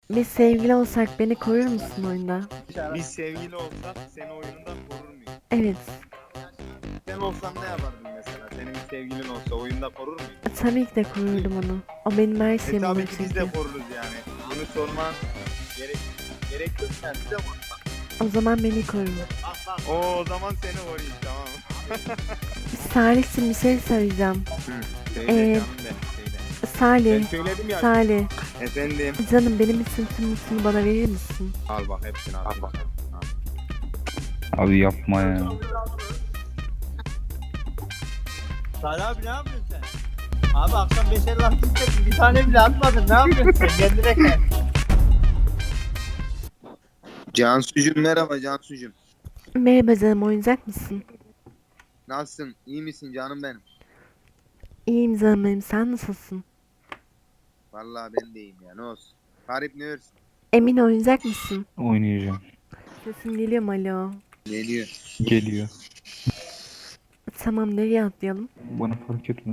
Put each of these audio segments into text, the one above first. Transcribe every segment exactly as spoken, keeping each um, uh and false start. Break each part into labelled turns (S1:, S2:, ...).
S1: Biz sevgili olsak beni korur musun oyunda?
S2: Biz sevgili olsak seni oyunundan korur muyum?
S1: Evet.
S2: Sen olsan ne yapardın mesela? Senin bir sevgilin olsa oyunda korur muydun?
S1: Tabii ki de korurdum onu. O benim her
S2: E
S1: şeyim
S2: tabii
S1: olur
S2: ki biz
S1: çünkü.
S2: de koruruz yani. Bunu sorman gerek gerek yok yani biz de koruruz.
S1: O zaman beni koru.
S2: Oo, o zaman seni koruyayım, tamam.
S1: Salih'cim bir şey söyleyeceğim.
S2: Hı, söyle
S1: Ee,
S2: canım benim, söyle. Ben
S1: Salih,
S2: söyledim ya.
S1: Salih.
S2: Efendim.
S1: Canım benim için tüm notunu bana verir misin?
S2: Al bak, hepsini al. Al bak.
S3: Abi yapma ya.
S4: Salih abi ne yapıyorsun sen? Abi akşam beşer laf istedin, bir tane bile atmadın, ne yapıyorsun sen? Kendine gel.
S2: Cansucuğum, merhaba Cansucuğum.
S1: Merhaba canım, oynayacak mısın?
S2: Nasılsın? İyi misin canım benim?
S1: İyiyim canım benim, sen nasılsın?
S2: Vallahi ben de iyiyim ya, ne olsun. Garip ne örsün?
S1: Emin oynayacak mısın?
S3: Oynayacağım.
S1: Sesin geliyor mu, alo?
S2: Geliyor.
S3: Geliyor.
S1: Tamam, nereye atlayalım?
S3: Bana fark etmez.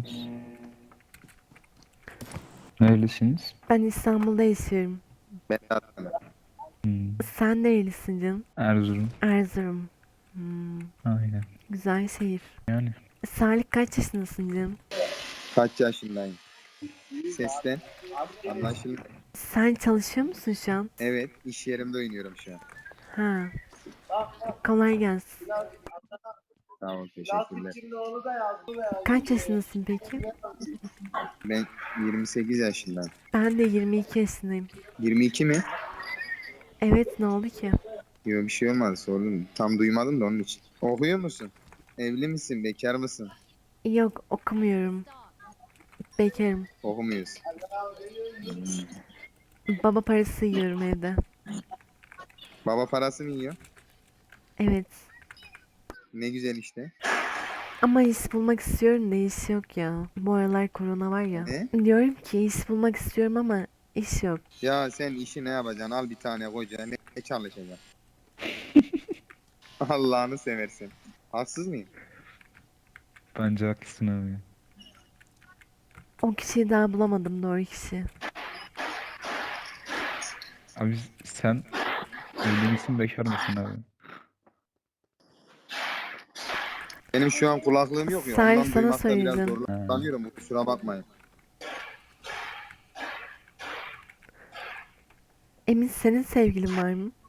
S3: Neredesiniz?
S1: Ben İstanbul'da yaşıyorum.
S2: Ben de atladım.
S3: Hmm,
S1: Sen nerelisin canım?
S3: Erzurum.
S1: Erzurum. Hmm,
S3: Aynen.
S1: güzel şehir.
S3: Yani
S1: Salih kaç yaşındasın canım?
S2: Kaç yaşındayım? Sesten anlaşıldı.
S1: Sen çalışıyor musun şu an?
S2: Evet, iş yerimde oynuyorum şu an.
S1: Ha, kolay gelsin.
S2: Sağ ol, teşekkürler.
S1: Kaç yaşındasın peki?
S2: Ben yirmi sekiz yaşındayım.
S1: Ben de yirmi iki yaşındayım.
S2: yirmi iki mi?
S1: Evet, ne oldu ki?
S2: Yok, bir şey olmadı, sordum. Tam duymadım da onun için. Okuyor musun? Evli misin? Bekar mısın?
S1: Yok, okumuyorum. Bekarım.
S2: Okumuyorsun.
S1: Baba parası yiyorum evde.
S2: Baba parası mı yiyor?
S1: Evet.
S2: Ne güzel işte.
S1: Ama iş bulmak istiyorum da iş yok ya. Bu aralar korona var ya.
S2: Ne?
S1: Diyorum ki iş bulmak istiyorum ama iş yok.
S2: Ya sen işi ne yapacaksın? Al bir tane koca. Ne, ne çalışacaksın? Allah'ını seversen. Haksız mıyım?
S3: bence haklısın abi.
S1: O kişiyi daha bulamadım, doğru kişi.
S3: Abi sen evli misin bekar mısın abi?
S2: Benim şu an kulaklığım yok ya.
S1: Salih,
S2: Ondan
S1: sana
S2: duymakta biraz
S1: söyleyeceğim.
S3: Ha,
S2: zorlanıyorum. Kusura bakmayın.
S1: Emin, senin sevgilin var mı?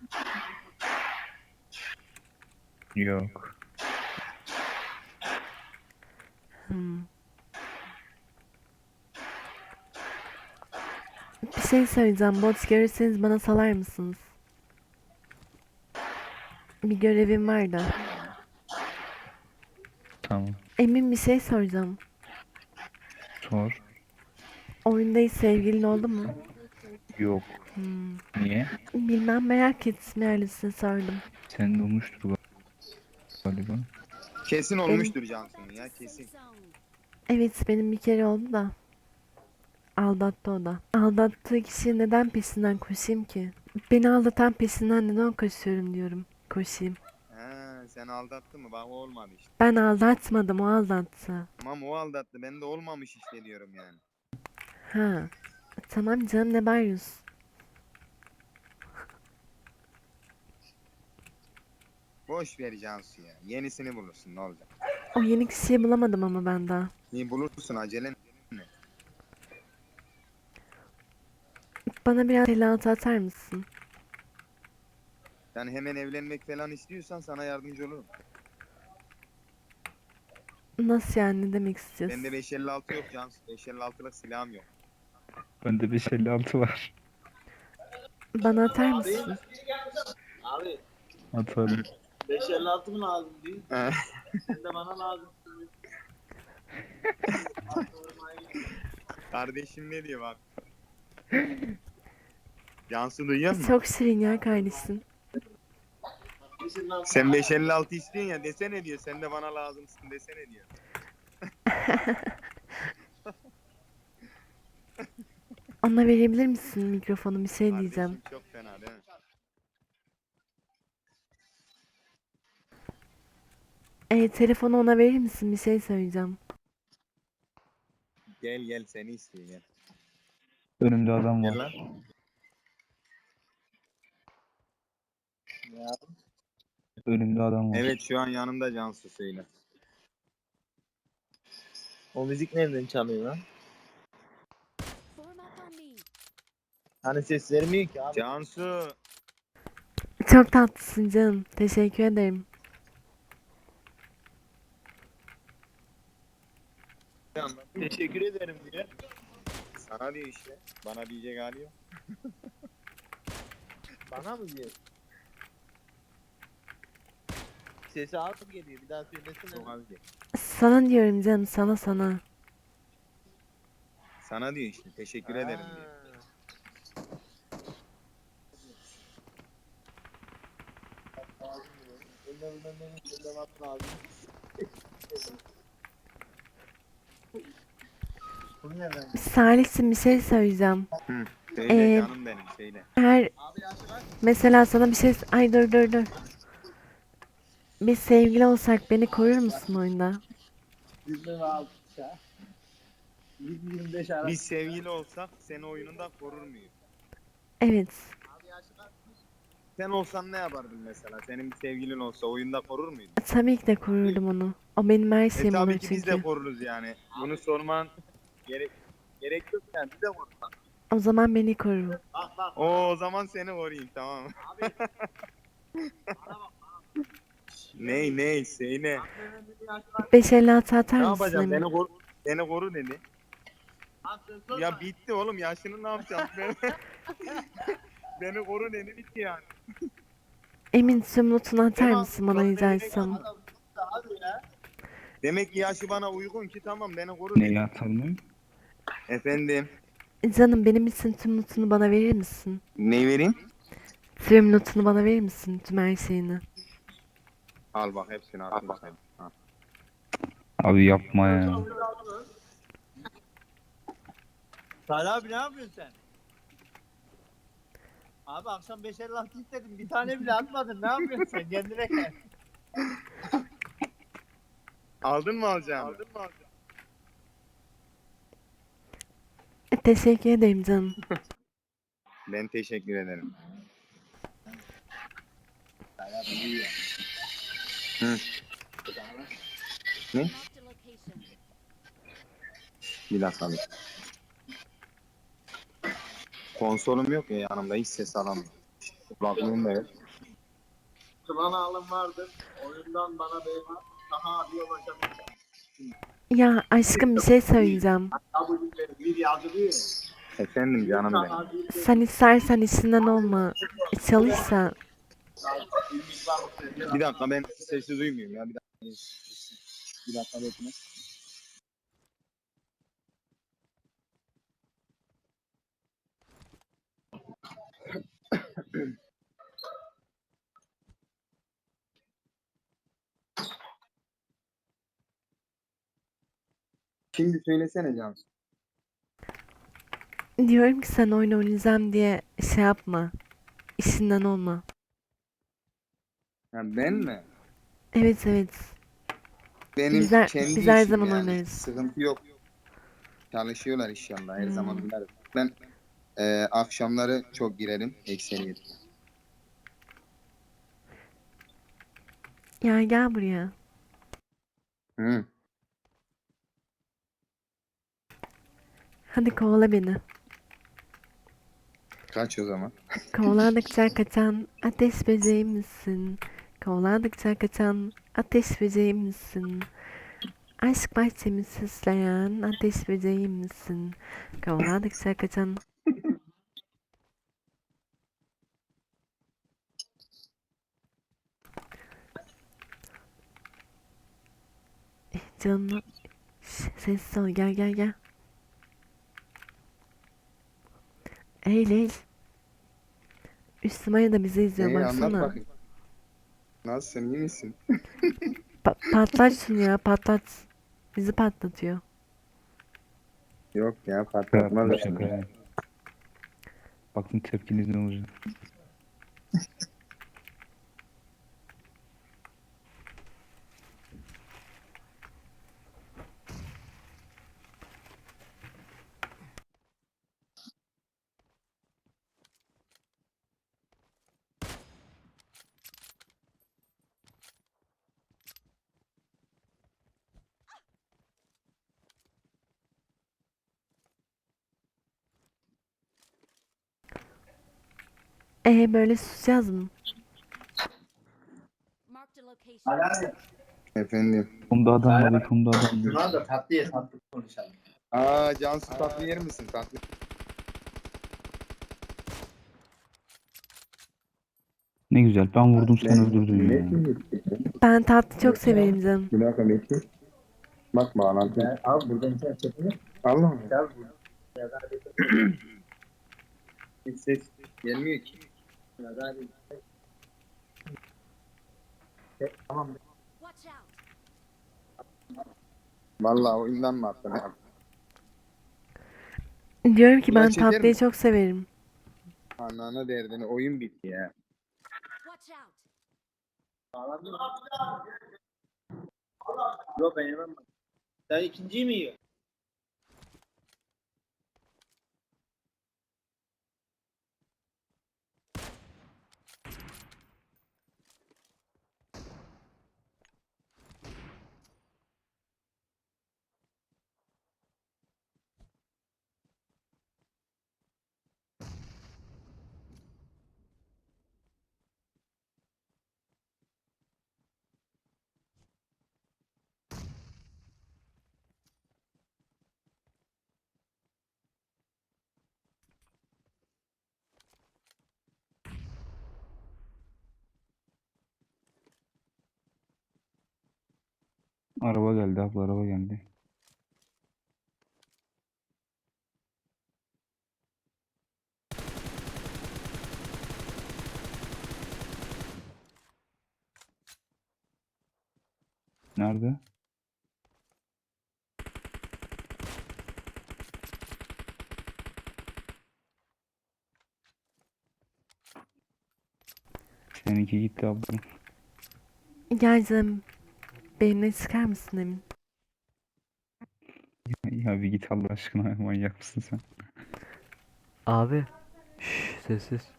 S3: yok.
S1: Hmm. Bir şey söyleyeceğim. Bot görürseniz bana salar mısınız? Bir görevim var da.
S3: Tamam.
S1: Emin, bir şey soracağım.
S3: Sor.
S1: Oyunda hiç sevgilin oldu mu?
S3: Yok.
S1: Hmm.
S3: Niye?
S1: Bilmem, merak ettim, öylesine sordum.
S3: Senin olmuştur galiba.
S2: Kesin
S1: Benim,
S2: olmuştur Cansu'nun ya, kesin.
S1: evet benim bir kere oldu da. Aldattı o da. Aldattığı kişi neden peşinden koşayım ki? Beni aldatan peşinden neden koşuyorum diyorum. Koşayım.
S2: Ha, sen aldattın mı? Bak, o olmadı işte.
S1: Ben aldatmadım, o aldattı.
S2: Tamam, o aldattı. Ben de olmamış işte diyorum yani.
S1: Ha. Tamam canım, ne bağırıyorsun?
S2: Boş ver Cansu ya. Yenisini bulursun, ne olacak?
S1: O yeni kişiyi bulamadım ama ben daha.
S2: İyi bulursun, acele ne?
S1: Bana biraz telatı atar mısın?
S2: Yani hemen evlenmek falan istiyorsan sana yardımcı olurum.
S1: Nasıl yani, ne demek istiyorsun?
S2: Bende beş elli altı yok Cansu. beş elli altılık silahım yok.
S3: Bende beş elli altı var.
S1: Bana atar mısın?
S4: Abi
S3: Atarım.
S4: beş elli altı mı lazım değil?
S2: Ha.
S4: Sen de bana lazım.
S2: Kardeşim ne diyor bak. Cansu duyuyor musun?
S1: Çok şirin ya kardeşim.
S2: Sen beş elli altı istiyorsun ya, desene diyor. Sen de bana lazımsın desene diyor.
S1: Ona verebilir misin mikrofonu, bir şey
S2: Kardeşim
S1: diyeceğim.
S2: çok fena değil mi?
S1: E, telefonu ona verir misin, bir şey söyleyeceğim.
S2: Gel gel, seni istiyor gel.
S3: Önümde adam
S2: Gel lan.
S3: var.
S4: Ya.
S3: Önümde adam var.
S2: Evet şu an yanımda Cansu söyle.
S4: O müzik nereden çalıyor lan?
S5: Form up on me.
S4: Hani ses vermiyor ki abi.
S2: Cansu.
S1: Çok tatlısın canım. Teşekkür ederim.
S4: Teşekkür ederim diye.
S2: Sana diyor işte. Bana diyecek hali yok.
S4: Bana mı diyor? Sesi az geliyor. Bir daha söylesene.
S2: Çok az değil.
S1: Sana diyorum canım, sana sana.
S2: Sana diyor işte. Teşekkür ederim diyor.
S4: Bu nereden?
S1: Salih'cim bir şey söyleyeceğim.
S2: Söyle
S1: Ee,
S2: canım benim söyle.
S1: Her mesela sana bir şey... Ay dur dur dur. Biz sevgili olsak beni korur musun oyunda?
S4: Bizden aldık ya. yirmi yirmi beş arası.
S2: Biz sevgili olsak seni oyununda korur muyuz?
S1: Evet.
S2: Sen olsan ne yapardın mesela? Senin bir sevgilin olsa oyunda korur muydun?
S1: Tabii ki de korurdum onu. O benim her
S2: E
S1: şeyim olur
S2: tabii ki biz de
S1: çünkü.
S2: koruruz yani. Bunu sorman gerek gerek yok yani biz de koruruz.
S1: O zaman beni koru.
S4: Bak bak.
S2: Oo, o zaman seni koruyayım tamam.
S4: Abi. Bana bak.
S2: Ney ney şey ne?
S1: beş elli altı atar
S2: Ne
S1: mısın
S2: yapacağım?
S1: Emin?
S2: Beni koru, beni koru dedi.
S4: Abi sen sorma.
S2: Ya bitti oğlum yaşını ne yapacağım? Beni, beni koru dedi bitti yani.
S1: Emin tüm notunu atar
S2: Tamam,
S1: mısın bana
S2: çok
S1: rica
S2: memnun
S1: etsem?
S4: Adam abi ya.
S2: Demek ki yaşı bana uygun ki tamam beni koru dedi.
S3: Neyi atalım?
S2: Efendim.
S1: Canım benim için tüm notunu bana verir misin?
S2: Ne vereyim?
S1: Tüm notunu bana verir misin? Tüm her şeyini.
S2: Al bak hepsini al. bak. Al.
S3: Abi yapma ya.
S4: Salih abi ne yapıyorsun sen? Abi akşam beş elli altı istedim. Bir tane bile atmadın. Ne yapıyorsun sen? Kendine gel.
S2: Aldın mı alacağını?
S4: Aldın mı abi?
S1: E, teşekkür ederim canım.
S2: Ben teşekkür ederim. Hı. Ne?
S5: Marked a location.
S2: Bir dakika bir. Konsolum yok ya yanımda hiç ses alamıyorum. Kulaklığım da yok.
S4: Kılan alım vardır. Oyundan bana beyman. Daha abiye ulaşabilir.
S1: Ya aşkım bir şey söyleyeceğim.
S4: Tabii bir yazılıyor.
S2: Efendim canım benim.
S1: Sen istersen işinden olma. Çalışsa.
S2: Bir dakika ben sesi duymuyorum ya bir dakika. Bir dakika bekle. Şimdi söylesene Cansu.
S1: Diyorum ki sen oyun oynayacağım diye şey yapma. İşinden olma.
S2: Ha, ben mi?
S1: Evet evet.
S2: Benim
S1: Biz her-
S2: kendi
S1: biz her
S2: işim
S1: zaman
S2: yani.
S1: oynarız.
S2: Sıkıntı yok. Çalışıyorlar inşallah her
S1: Hmm.
S2: zaman oynarız. Ben e, akşamları çok girerim ekseriyet.
S1: Ya gel buraya.
S2: Hı.
S1: Hadi kovala beni.
S2: Kaç o zaman?
S1: Kovaladıkça kaçan ateş böceği misin? Kovaladıkça kaçan ateş böceği misin? Aşk bahçemi süsleyen ateş böceği misin? Kovaladıkça kaçan... Eh, canım. Şş, sessiz ol, gel gel gel. Eğil eğil. Üstüme da bizi izliyor
S2: Neyi anlat
S1: baksana.
S2: bakayım. Nasılsın iyi misin?
S1: Pa- patlat şunu ya, patlat. Bizi patlatıyor.
S2: Yok ya
S3: Şaka
S2: patlatmaz.
S3: yaptım, şaka ya. Bakın tepkiniz ne olacak.
S1: Ee böyle susacağız mı?
S5: Marked a location.
S4: Salih abi.
S2: Efendim.
S3: Kumda adam
S4: Salih
S3: var,
S4: abi.
S3: kumda adam var.
S4: Şuna da tatlı ye tatlı konuşalım.
S2: Aa Cansu tatlı yer misin tatlı?
S3: Ne güzel, ben vurdum sen öldürdün ya.
S1: Ben tatlı çok severim canım.
S2: Bir dakika bekle. Bak bağlantı.
S4: Ya, abi buradan internet çekimi.
S2: Allah Allah.
S4: Gel burada. Ya da hadi.
S2: Hiç ses gelmiyor ki.
S4: Ya da hadi. Tamam.
S5: Watch out.
S2: Vallahi oyundan mı attın abi?
S1: Diyorum ki
S2: Ulan
S1: ben
S2: çeker
S1: tatlıyı
S2: mi?
S1: çok severim.
S2: Anana derdini oyun bitti ya.
S5: Watch out.
S4: Bağlandın mı? Yok ben yemem. Sen ikinciyi mi yiyorsun?
S3: Araba geldi abla, araba geldi. Nerede? Seninki gitti abla.
S1: Gel canım. Benimle çıkar mısın Emin?
S3: Ya bir git Allah aşkına, manyak mısın sen?
S6: Abi. Şşş sessiz.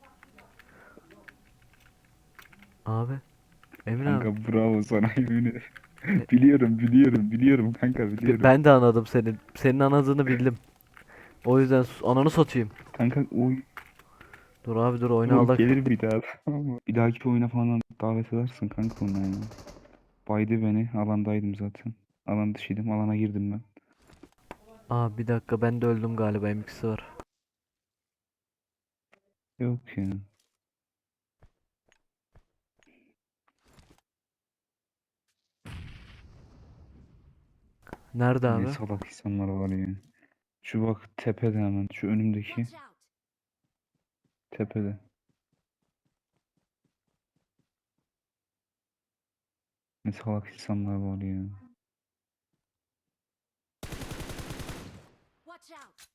S6: Abi. Emin abi.
S3: Kanka bravo sana, yemin ederim.
S6: E-
S3: Biliyorum biliyorum biliyorum kanka,
S6: b-
S3: biliyorum.
S6: Ben de anladım senin. Senin anladığını bildim. O yüzden sus- ananı satayım.
S3: Kanka o,
S6: Dur abi dur oyunu
S3: o
S6: aldık.
S3: gelir bir daha, tamam mı? Bir dahaki oyuna falan davet edersin kanka ona ya. Baydı beni, alandaydım zaten. Alan dışıydım, alana girdim ben.
S6: Aa bir dakika ben de öldüm galiba, M ikisi var.
S3: Yok ya.
S6: Nerede
S3: Ne
S6: abi?
S3: salak insanlar var ya. Şu bak tepede, hemen şu önümdeki
S5: Watch out.
S3: tepede. Ne salak insanlar var ya.
S5: Watch out.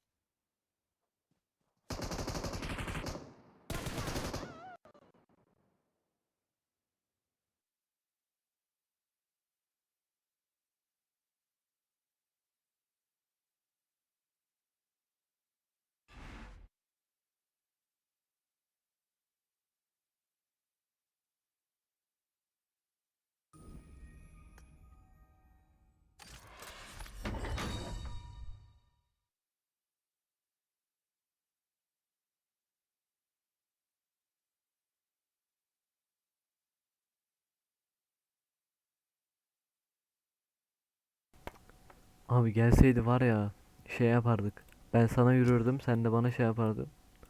S6: Abi gelseydi var ya şey yapardık. Ben sana yürürdüm, sen de bana şey yapardın.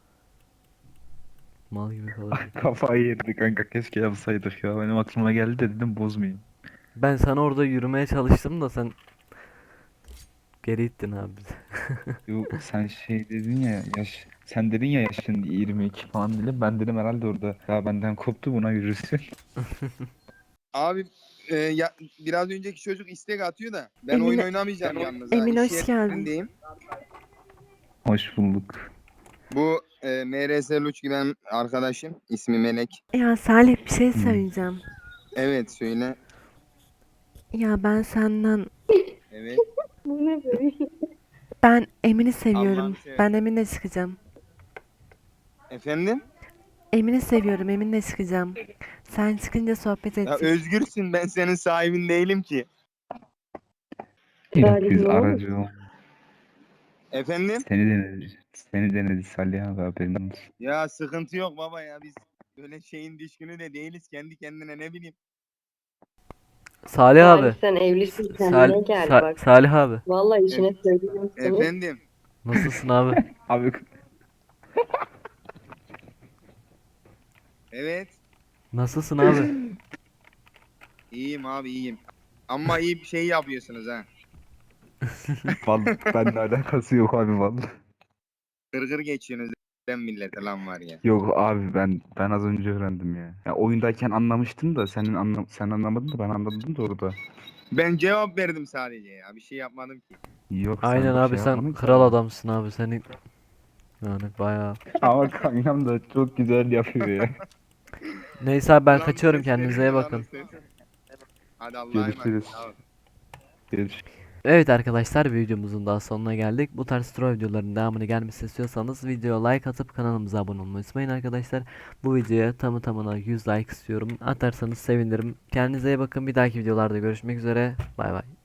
S6: Mal gibi kalırdık.
S3: Kafayı yedi kanka, keşke yapsaydık ya. Benim aklıma geldi de dedim bozmayayım.
S6: Ben sana orada yürümeye çalıştım da sen geri ittin abi bizi.
S3: Yo, sen şey dedin ya, yaş sen dedin ya yaşın yirmi iki falan dedim. Ben dedim herhalde orada ya benden koptu, buna yürürsün.
S2: Abi e, ya, biraz önceki çocuk istek atıyor da ben
S1: Emine-
S2: oyun oynamayacağım yalnız ha.
S1: Emin,
S2: İş
S1: hoş geldin.
S2: yerindeyim.
S3: Hoş bulduk.
S2: Bu e, M R S Luç giden arkadaşım. İsmi Melek.
S1: Ya Salih bir şey
S3: Hmm.
S1: söyleyeceğim.
S2: Evet söyle.
S1: Ya ben senden
S2: Evet.
S1: ben Emin'i seviyorum.
S2: Allah'ını seversen.
S1: Ben Emin'le çıkacağım.
S2: Efendim?
S1: Emin'i seviyorum. Emin'le çıkacağım. Sen çıkınca sohbet
S2: Ya
S1: edeceğiz.
S2: özgürsün, ben senin sahibin değilim ki.
S3: Yok biz aracı ol.
S2: Efendim?
S3: Seni denedik. Seni denedi Salih abi, haberin olsun.
S2: Ya sıkıntı yok baba ya, biz böyle şeyin düşkünü de değiliz, kendi kendine ne bileyim.
S6: Salih
S7: Salih
S6: abi.
S7: sen evlisin
S6: Sal
S7: kendine gel
S6: Sa-
S7: bak.
S6: Salih abi.
S7: Vallahi
S2: E-
S7: işine söylüyorum seni.
S2: efendim.
S6: Nasılsın abi?
S3: Abi
S2: Evet.
S6: Nasılsın abi?
S2: İyiyim abi, iyiyim. Ama iyi bir şey yapıyorsunuz ha.
S3: vallahi benimle alakası yok abi vallahi.
S2: Kırgır geçiyorsunuz ben millete lan var ya.
S3: Yok abi, ben ben az önce öğrendim ya. Ya oyundayken anlamıştım da senin anla sen anlamadın da ben anladım da orada.
S2: Ben cevap verdim sadece ya, bir şey yapmadım ki.
S3: Yok sen
S6: Aynen
S3: bir
S6: abi
S3: şey
S6: sen
S3: yapmadın ki
S6: kral
S3: abi.
S6: adamsın abi senin. Yani bayağı.
S3: Ama kankam da çok güzel yapıyor ya.
S6: Neyse abi ben
S2: Ulan
S6: kaçıyorum,
S2: ses verin
S6: kendinize iyi
S2: ya,
S6: bakın.
S2: lan ses. Hadi Allah'a
S3: Görüşürüz.
S2: emanet. Sağ ol.
S3: Görüşürüz.
S6: Evet arkadaşlar, videomuzun daha sonuna geldik. Bu tarz troll videoların devamını gelmesini istiyorsanız videoya like atıp kanalımıza abone olmayı unutmayın arkadaşlar. Bu videoya tamı tamına yüz like istiyorum. Atarsanız sevinirim. Kendinize iyi bakın. Bir dahaki videolarda görüşmek üzere. Bay bay.